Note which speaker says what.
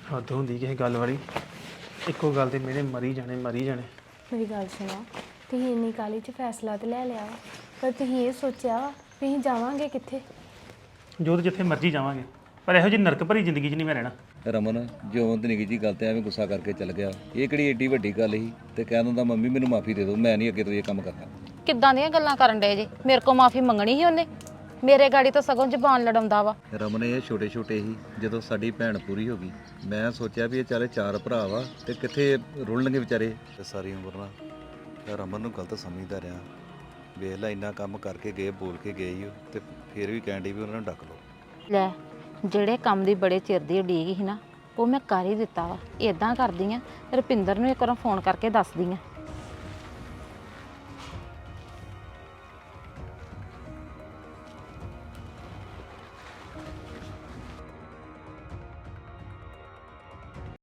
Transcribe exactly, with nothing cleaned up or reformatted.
Speaker 1: ਹੱਦ ਹੁੰਦੀ ਕਿਸੇ ਗੱਲ ਵਾਲੀ। ਇੱਕੋ ਗੱਲ ਤੇ ਮੇਰੇ ਮਰੀ ਜਾਣੇ ਮਰੀ ਜਾਣੇ।
Speaker 2: ਮੇਰੀ ਗੱਲ ਸੁਣੋ, ਤੁਸੀਂ ਇੰਨੀ ਕਾਹਲੀ 'ਚ ਫੈਸਲਾ ਤੇ ਲੈ ਲਿਆ ਵਾ, ਪਰ ਤੁਸੀਂ ਇਹ ਸੋਚਿਆ ਵਾ ਵੀ ਅਸੀਂ ਜਾਵਾਂਗੇ ਕਿੱਥੇ?
Speaker 1: ਜੋ ਤੇ ਜਿੱਥੇ ਮਰਜ਼ੀ ਜਾਵਾਂਗੇ, ਪਰ ਇਹੋ ਜਿਹੀ ਨਰਕ ਭਰੀ ਜ਼ਿੰਦਗੀ 'ਚ ਨਹੀਂ ਮੈਂ ਰਹਿਣਾ।
Speaker 3: ਰਮਨ ਜਿਉਂ ਤੇ ਨਿੱਕੀ ਜੀ ਗੱਲ ਤੇ ਐਵੇਂ ਗੁੱਸਾ ਕਰਕੇ ਚੱਲ ਗਿਆ, ਇਹ ਕਿਹੜੀ ਏਡੀ ਵੱਡੀ ਗੱਲ ਸੀ ਤੇ ਕਹਿ ਦਿੰਦਾ ਮੰਮੀ ਮੈਨੂੰ ਮਾਫੀ ਦੇ ਦਿਓ, ਮੈਂ ਨਹੀਂ ਅੱਗੇ ਤੋਂ ਇਹ ਕੰਮ ਕਰਨਾ।
Speaker 4: ਕਿੱਦਾਂ ਦੀਆਂ ਗੱਲਾਂ ਕਰਨ ਡਏ ਜੇ? ਮੇਰੇ ਕੋਲ ਮਾਫੀ ਮੰਗਣੀ ਸੀ ਉਹਨੇ? ਮੇਰੇ ਗਾੜੀ ਤਾਂ ਸਗੋਂ ਜ਼ਬਾਨ ਲੜਾਉਂਦਾ ਵਾ।
Speaker 3: ਰਮਨ ਇਹ ਛੋਟੇ ਛੋਟੇ ਹੀ ਜਦੋਂ ਸਾਡੀ ਭੈਣ ਪੂਰੀ ਹੋ ਗਈ, ਮੈਂ ਸੋਚਿਆ ਵੀ ਇਹ ਚਾਰੇ ਚਾਰ ਭਰਾ ਵਾ ਤੇ ਕਿੱਥੇ ਰੁਲਣਗੇ ਵਿਚਾਰੇ। ਤੇ ਸਾਰੀ ਉਮਰ ਨਾ ਮੈਂ ਰਮਨ ਨੂੰ ਗਲਤ ਸਮਝਦਾ ਰਿਹਾ। ਵੇਖ ਲੈ ਇੰਨਾ ਕੰਮ ਕਰਕੇ ਗਏ, ਬੋਲ ਕੇ ਗਏ ਹੀ ਉਹ, ਤੇ ਫਿਰ ਵੀ ਕਹਿਣ ਡਈ ਵੀ ਉਹਨਾਂ ਨੂੰ ਡੱਕ ਲਓ।
Speaker 4: ਲੈ, ਜਿਹੜੇ ਕੰਮ ਦੀ ਬੜੇ ਚਿਰ ਦੀ ਉਡੀਕ ਸੀ ਨਾ, ਉਹ ਮੈਂ ਕਰ ਹੀ ਦਿੱਤਾ ਵਾ। ਇਦਾਂ ਕਰਦੀ ਆ, ਰੁਪਿੰਦਰ ਨੂੰ ਇੱਕ ਵਾਰ ਫੋਨ ਕਰਕੇ ਦੱਸਦੀ ਆ